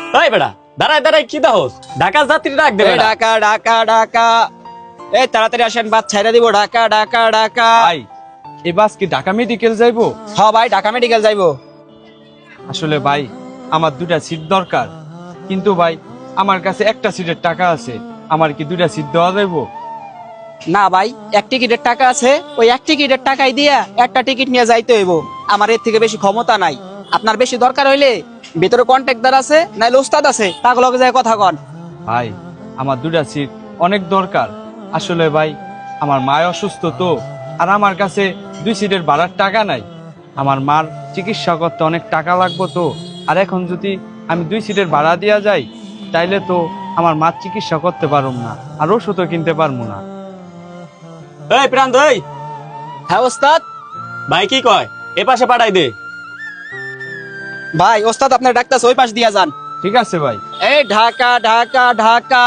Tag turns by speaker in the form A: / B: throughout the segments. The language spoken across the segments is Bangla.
A: এই বেটা, দাঁড়ায় দাঁড়ায় কি দাহস? ঢাকার যাত্রী ডাক দে বেটা।
B: ঢাকা ঢাকা ঢাকা, এই তাড়াতাড়ি আসেন, বাস ছাইড়া দিব। ঢাকা ঢাকা ঢাকা।
C: ভাই এই বাস কি ঢাকা মেডিকেল যাইবো?
B: হ্যাঁ ভাই, ঢাকা মেডিকেল যাইবো।
C: আসলে ভাই আমার দুটা সিট দরকার, কিন্তু ভাই আমার কাছে একটা সিটের টাকা আছে, আমার কি দুটা সিট দেওয়া যাইবো?
B: না ভাই, এক টিকিটের টাকা আছে, ওই এক টিকিটের টাকাই দিয়া একটা টিকিট নিয়ে যাইতে হইব। আমার এর থেকে বেশি ক্ষমতা নাই। আপনার বেশি দরকার হইলে ভিতরে কন্ট্রাক্টর আছে, নাইলে ওস্তাদ আছে, তাকে লগে যায় কথা কন।
C: ভাই আমার দুটা সিট অনেক দরকার। আসলে ভাই আমার মা অসুস্থ তো, আর আমার কাছে 2 সিটের ভাড়ার টাকা নাই। আমার মার চিকিৎসা করতে অনেক টাকা লাগবে তো, আর এখন যদি আমি 2 সিটের ভাড়া দেওয়া যাই তাইলে তো আমার মার চিকিৎসা করতে পারবো না, আর ওষুধও কিনতে পারবো না।
A: এই প্রান্ত, এই
B: হ্যাঁ ওস্তাদ।
A: ভাই কি কয়, এ পাশে পাঠাই দে।
B: ভাই ওস্তাদ আপনার ডাক্তার ওই পাশ দিয়া যান।
C: ঠিক আছে ভাই।
B: এই ঢাকা ঢাকা ঢাকা।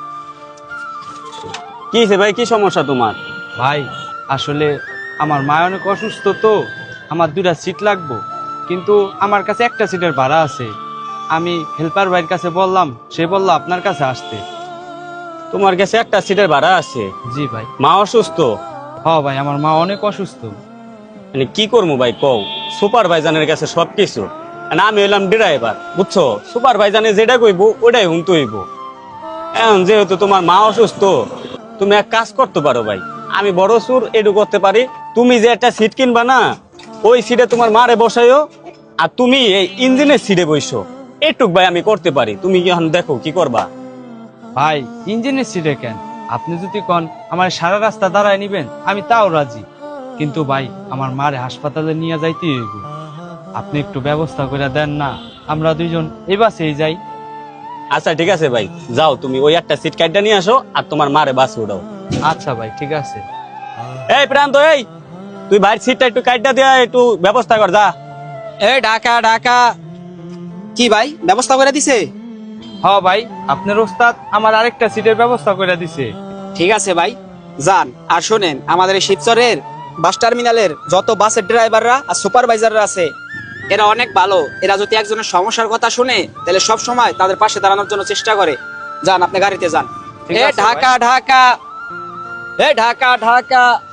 A: কি হইছে ভাই, কি সমস্যা তোমার?
C: ভাই আসলে আমার মা অনেক অসুস্থ তো, আমার 2টা সিট লাগবো, কিন্তু আমার কাছে একটা সিটের ভাড়া আছে। আমি হেল্পার ভাইয়ের কাছে বললাম, সে বললো আপনার কাছে আসতে।
A: তোমার কাছে একটা সিটের ভাড়া আছে?
C: জি ভাই।
A: মা অসুস্থ?
C: হ্যাঁ ভাই, আমার মা অনেক অসুস্থ।
A: মানে কি করবো ভাই কও? সুপারভাইজারের কাছে সবকিছু, মানে আমি হইলাম ড্রাইভার, বুঝছো? সুপারভাইজারে যেটা কইবো ওটাই হুনতে হইব। এখন যেহেতু তোমার মা অসুস্থ, তুমি এক কাজ করতে পারো ভাই। আমি বড় সুর এডু করতে পারি। তুমি যে একটা সিট কিনবা না, ওই সিটে তোমার মারে বসাইও, আর তুমি এই ইঞ্জিনের সিটে বইসো। এটুক ভাই আমি করতে পারি, তুমি কি এখন দেখো কি করবা।
C: ভাই ইঞ্জিনের সিটে কেন? আপনি যদি কোন আমার সারা রাস্তা দাঁড়ায় নিবেন, আমি তাও রাজি, কিন্তু ভাই আমার মারে হাসপাতালে নিয়ে যাইতে হইব। আপনি একটু ব্যবস্থা করে দেন না, আমরা 2জন এই বাসেই যাই।
A: আচ্ছা ঠিক আছে ভাই, যাও তুমি ওই একটা সিট কাইটা নিয়ে আসো, আর তোমার মারে বাসে উঠাও।
C: আচ্ছা ভাই ঠিক আছে।
A: এই প্রান্ত, এই তুই ভাইয়ের সিটটা একটু কাইটা দিয়া একটু ব্যবস্থা কর, যা।
B: এই ঢাকা ঢাকা। কি ভাই, ব্যবস্থা করে দিছে?
C: হ্যাঁ ভাই, আপনার ওস্তাদ আমার আরেকটা সিটের ব্যবস্থা করে দিছে।
B: ঠিক আছে ভাই, যান। আর শোনেন, আমাদের এই শিবচরের বাস টার্মিনালের যত বাসের ড্রাইভাররা আর সুপারভাইজাররা আছে, এরা অনেক ভালো। এরা যদি একজনের সমস্যার কথা শুনে, তাহলে সব সময় তাদের পাশে দাঁড়ানোর জন্য চেষ্টা করে। যান, আপনি গাড়িতে যান।
C: ঠিক
B: এ
C: আছে
B: ঢাকা ঢাকা, এ ঢাকা ঢাকা।